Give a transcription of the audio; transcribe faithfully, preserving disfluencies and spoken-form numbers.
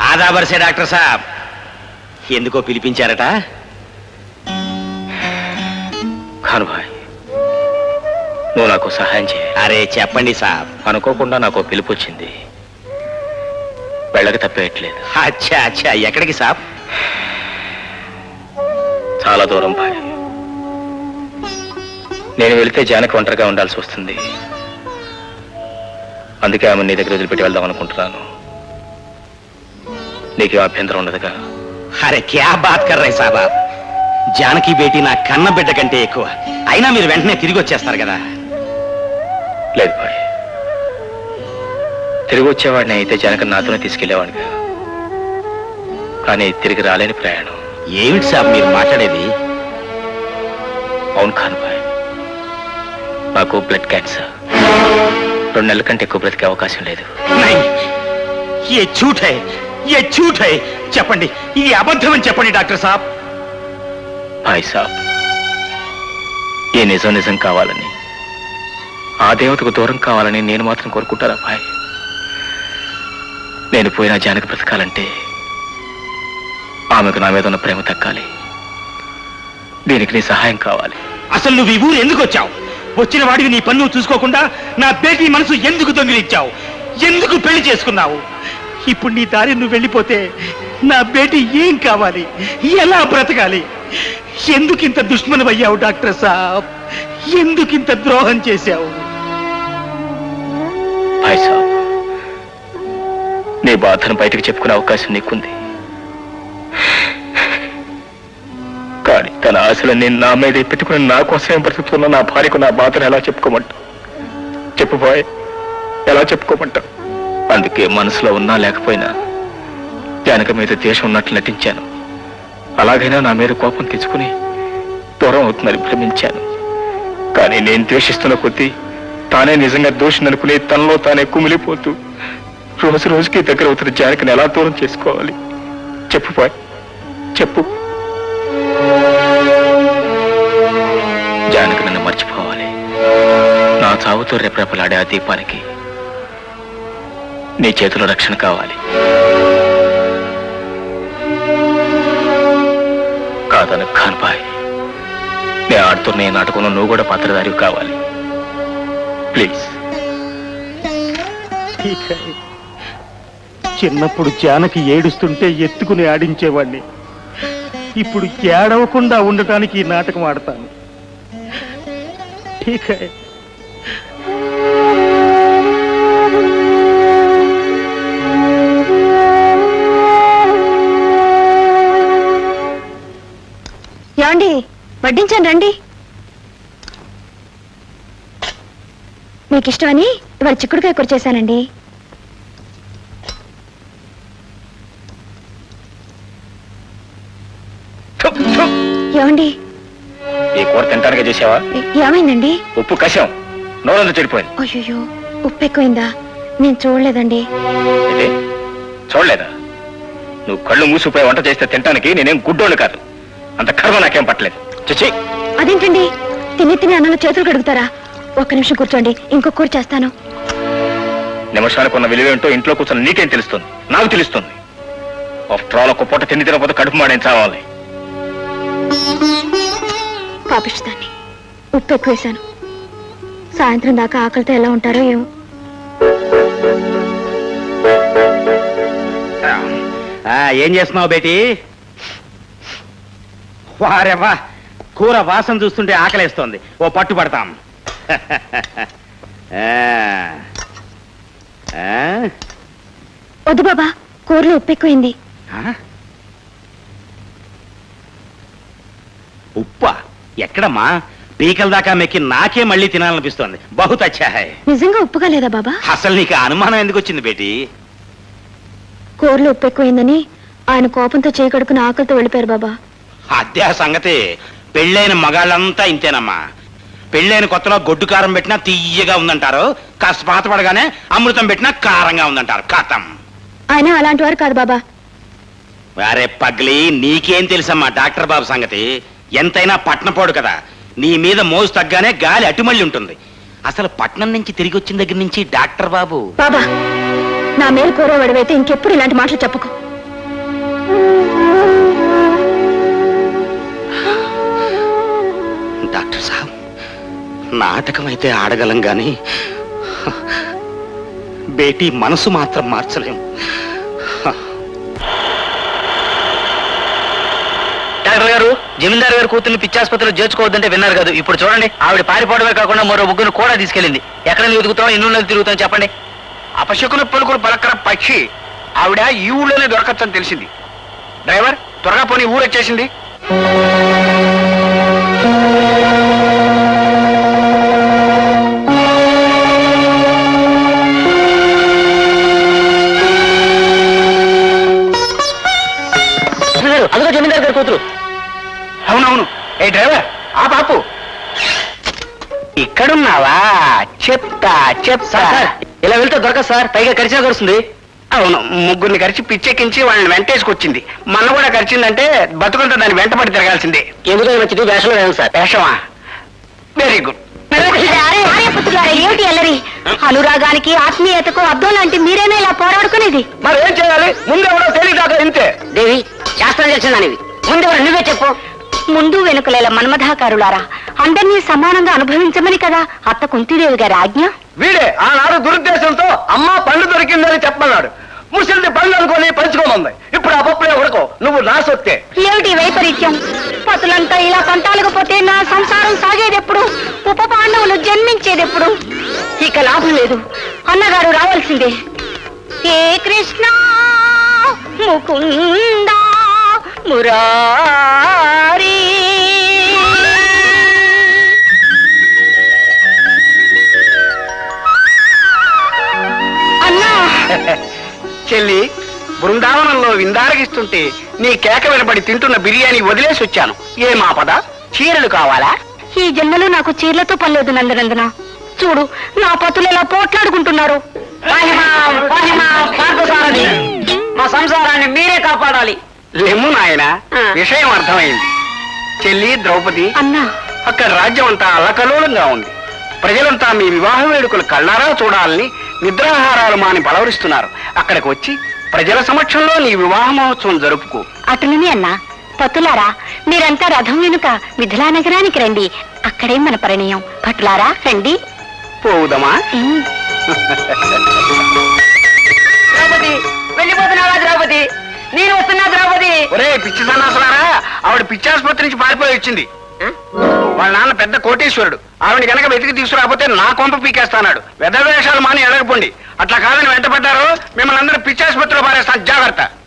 ఆదా బర్సే డాక్టర్ సాబ్, ఎందుకో పిలిపించారట? ఖాన్ భాయ్, నువ్వు నాకు సహాయం చేయ. అరే చెప్పండి సాబ్. అనుకోకుండా నాకు పిలుపు వచ్చింది, వెళ్ళక తప్పేయట్లేదు. అచ్చా అచ్చా, ఎక్కడికి సాబ్? చాలా దూరం భాయ్. నేను వెళితే జానకి ఒంటరిగా ఉండాల్సి వస్తుంది, అందుకే ఆమె నీ దగ్గర వదిలిపెట్టి వెళ్దాం అనుకుంటున్నాను. నీకేం అభ్యంతరం ఉండదుగా? అరే క్యా బాత్ కర్ రే సాబ్, జానకి బేటీ నా కన్న బిడ్డ కంటే ఎక్కువ. అయినా మీరు వెంటనే తిరిగి వచ్చేస్తారు కదా? లేదు భాయ్, తిరిగి వచ్చేవాడిని అయితే జానకి నాతోనే తీసుకెళ్లేవాడిగా, కానీ తిరిగి రాలేని ప్రయాణం. ఏమిటి సాబ్ మీరు మాట్లాడేది? అవును ఖాన్ భాయ్, నాకు బ్లడ్ క్యాన్సర్. రెండు నెలల కంటే ఎక్కువ బ్రతికే అవకాశం లేదు. नहीं, ये झूठ है, ये झूठ है. చెప్పండి, ఇది అబద్ధం అని చెప్పండి డాక్టర్ సాబ్. భాయ్ సాబ్, ఈ నిజం నిజం కావాలని, ఆ దేవతకు దూరం కావాలని నేను మాత్రం కోరుకుంటారా భాయ్? నేను పోయిన జానకి బ్రతకాలంటే ఆమెకు నా మీద ఉన్న ప్రేమ తగ్గాలి. దీనికి నీ సహాయం కావాలి. అసలు నువ్వు ఈ ఊరు ఎందుకు వచ్చావు? వచ్చిన వాడివి నీ పన్ను చూసుకోకుండా నా బేటీ మనసు ఎందుకు దొంగిలించావు? ఎందుకు పెళ్లి చేసుకున్నావు? ఇప్పుడు నీ దారి నువ్వు వెళ్ళిపోతే నా బేటీ ఏం కావాలి? ఎలా బ్రతకాలి? ఎందుకింత దుష్మనమయ్యావు డాక్టర్ సాబ్? ఎందుకింత ద్రోహం చేశావు? భాయ్ సాబ్, నీ బాధను బయటకు చెప్పుకునే అవకాశం నీకుంది, కానీ తన ఆశలు నేను నా మీద పెట్టుకుని నా కోసమే బ్రతుకుతున్న నా భార్యకు నా బాధను ఎలా చెప్పుకోమంటా? చెప్పు బాయ్, ఎలా చెప్పుకోమంటా? అందుకే మనసులో ఉన్నా లేకపోయినా జానకి మీద ద్వేషం ఉన్నట్లు నటించాను. అలాగైనా నా మీద కోపం తెచ్చుకుని దూరం అవుతుందని భ్రమించాను. కానీ నేను ద్వేషిస్తున్న కొద్దీ తానే నిజంగా దోషిననుకుని తనలో తానే కుమిలిపోతూ రోజు రోజుకి దగ్గర అవుతున్న జానకిని ఎలా దూరం చేసుకోవాలి? చెప్పు బాయ్, చెప్పు. జానకి నన్ను మర్చిపోవాలి. నా చావుతో రెపరెపలాడే ఆ దీపానికి నీ చేతిలో రక్షణ కావాలి. కాదను ఖాన్ భాయ్, నేను ఆడుతున్న ఈ నాటకంలో నువ్వు కూడా పాత్రధారి కావాలి. ప్లీజ్. చిన్నప్పుడు జానకి ఏడుస్తుంటే ఎత్తుకుని ఆడించేవాడిని. ఇప్పుడు ఏడవకుండా ఉండటానికి ఈ నాటకం ఆడతాను. ठीक है. ఏమండి, వడ్డించాను రండి. మీకు ఇష్టమని ఇవాళ చిక్కుడుకాయ కూర చేశానండి. ఏమండి, ఈ కూర తింటానికే చేసావా? ఏమైందండి? ఉప్పు కషం నోరంతా చెడిపోయింది. అయ్యో, ఉప్పు ఎక్కువైందా? నేను చూడలేదండి. ఏంటి చూడలేదా? నువ్వు కళ్ళు మూసిపోయి వంట చేస్తే తింటానికి నేనేం గుడ్డోళ్ళు కాదు. అంత కర్మ నాకేం పట్టలేదు. చచ్చి. అదేంటండి, తిని తిని అన్నంలో చేతులు కడుగుతారా? ఒక్క నిమిషం కూర్చోండి, ఇంకో కూర చేస్తాను. నిమిషానికి ఉన్న విలువేంటో ఇంట్లో కూర్చొని నీకేం తెలుస్తుంది? నాకు తెలుస్తుంది. ఆఫ్టర్ ఆల్ ఒక్క పూట తిండి తినకపోతే కడుపు మాడేం చావాలి. పాపిస్తాన్ని ఉప్పు ఎక్కువ వేశాను. సాయంత్రం దాకా ఆకలితో ఎలా ఉంటారో ఏమో. ఏం చేస్తున్నావు బేటీ? వారెవ్వా, కూర వాసన చూస్తుంటే ఆకలేస్తోంది. ఓ పట్టు పడతాం. వద్దు బాబా, కూరలో ఉప్పు ఎక్కువైంది. ఉప్పా? ఎక్కడమ్మా? పీకల దాకా మెక్కి నాకే మళ్ళీ తినాలనిపిస్తోంది. బహుత్ అచ్చా హై. నిజంగా ఉప్పుగా లేదా బాబా? అసలు నీకు అనుమానం ఎందుకు వచ్చింది బేటీ? కూరలో ఉప్పు ఎక్కువైందని ఆయన కోపంతో చేయకడుకుని ఆకలితో వెళ్ళిపోయారు బాబా. అదే సంగతి. పెళ్ళైన మగాళ్ళంతా ఇంతేనమ్మా. పెళ్ళైన కొత్తలో గొడ్డు కారం పెట్టినా తీయగా ఉందంటారు, కాస్త పాత పడగానే అమృతం పెట్టినా కారంగా ఉందంటారు. కథం. ఆయన అలాంటి వారు కాదు బాబా. వారే పగ్లి, నీకేం తెలుసమ్మా డాక్టర్ బాబు సంగతి? ఎంతైనా పట్నపోడు కదా. నీ మీద మోజు తగ్గానే గాలి అటుమళ్ళి ఉంటుంది. అసలు పట్నం నుంచి తిరిగి వచ్చిన దగ్గర నుంచి డాక్టర్ బాబు. బాబా, నా మేలు కోరేవాడివైతే ఇంకెప్పుడు ఇలాంటి మాటలు చెప్పకు. నాటకం అయితే ఆడగలం గాని బేటీ మనసు మాత్రం మార్చలేం. డాక్టర్ గారు, జమీందారు గారు కూతుర్ని పిచ్చాసుపత్రిలో చేర్చుకోవద్దంటే విన్నారు కదా. ఇప్పుడు చూడండి, ఆవిడ పారిపోవడమే కాకుండా మరో ముగ్గురు కూడా తీసుకెళ్ళింది. ఎక్కడ వెతుకుతాం, ఎన్ని ఊళ్ళో తిరుగుతాం చెప్పండి. అపశకున పలుకులు పలకర పక్షి ఆవిడ ఈ ఊళ్ళోనే దొరకచ్చని తెలిసింది. డ్రైవర్, త్వరగా పోనీ, ఊరు వచ్చేసింది. అదిగో జమీందారు గారి కూతురు. అవునవును. ఏ డ్రైవర్, ఆ బాపు ఇక్కడున్నావా? చెప్తా చెప్తా. ఇలా వెళ్తే దొరకదు సార్, పైగా కరిచినా కరుస్తుంది. అవును, ముగ్గురిని కరిచి పిచ్చెక్కించి వాళ్ళని వెంటేసుకొచ్చింది. మన కూడా కరిచిందంటే బతుకుంతా దాన్ని వెంటపడి తిరగాల్సిందే. ఎందుకని మంచిది, వేషంలో వేయాలి సార్. వేషమా? Very good. ఏమిటి అల్లరి? అనురాగానికి ఆత్మీయతకు అర్థం లాంటి మీరేనా ఇలా పోరాడుకునేది? మరి ఏం చేయాలి? ముందెవరో తెలియదాకా ఇంతే. దేవి, శాస్త్రం తెలిసిందానివి, ముందెవరు నువ్వే చెప్పు. ముందు వెనుకలేల మన్మథాకారులారా, అందరినీ సమానంగా అనుభవించమని కదా అత్త కుంతిదేవి గారి ఆజ్ఞ. వీడే ఆనాడు దురుద్దేశంతో అమ్మ పండు దొరికిందని చెప్పమన్నాడు. ముసలిది పండు అనుకొని పంచుకోమంది. ఇప్పుడు ఆ పప్పులే ఉడకో, నువ్వు నా సొత్తే. ఏమిటి వైపరీత్యం? పతులంతా ఇలా పంటాలకపోతే నా సంసారం సాగేదెప్పుడు? ఉప పాండవులు జన్మించేదెప్పుడు? ఇక లాభం లేదు, అన్నగారు రావాల్సిందే. ఏ కృష్ణ ముకుంద మురారి. అన్నా, చెల్లి, బృందావనంలో విందారగిస్తుంటే నీ కేక వినబడి తింటున్న బిర్యానీ వదిలేసి వచ్చాను. ఏ మాపద? చీరలు కావాలా? ఈ జన్మలో నాకు చీరలతో పనిలేదు నందనందన. చూడు, నా పతులు ఎలా పోట్లాడుకుంటున్నారు. మా సంసారాన్ని మీరే కాపాడాలి. లెమ్ము నాయన, విషయం అర్థమైంది. చెల్లి ద్రౌపది, అన్నా, అక్కడ రాజ్యం అంతా అల్లకల్లోలంగా ఉంది. ప్రజలంతా మీ వివాహ వేడుకలు కళ్ళారా చూడాలని నిద్రాహారాలు మాని బలవరిస్తున్నారు. అక్కడికి వచ్చి ప్రజల సమక్షంలో నీ వివాహ మహోత్సవం జరుపుకో. అటులని అన్నా. పతులారా, మీరంతా రథం వెనుక మిథిలా నగరానికి రండి. అక్కడే మన పరిణయం. పటులారా రండి. పోవుదమా? ఉమ్. ద్రౌపది, వెళ్ళిపోతున్నావా ద్రౌపది? నేను వస్తున్నా ద్రౌపది. ఒరే పిచ్చి సన్నాసులారా, ఆవిడ పిచ్చాసుపత్రి నుంచి పారిపోయి వచ్చింది. వాళ్ళ నాన్న పెద్ద కోటేశ్వరుడు. ఆవిడ గనక వెతికి తీసుకురాకపోతే నా కొంప పీకేస్తాడు. వెధవేషాలు మాని ఎడగపోండి. అట్లా కాదని వెంటపడ్డారు, మిమ్మల్ని అందరూ పిచ్చాసుపత్రిలో పారేస్తాను. జాగ్రత్త.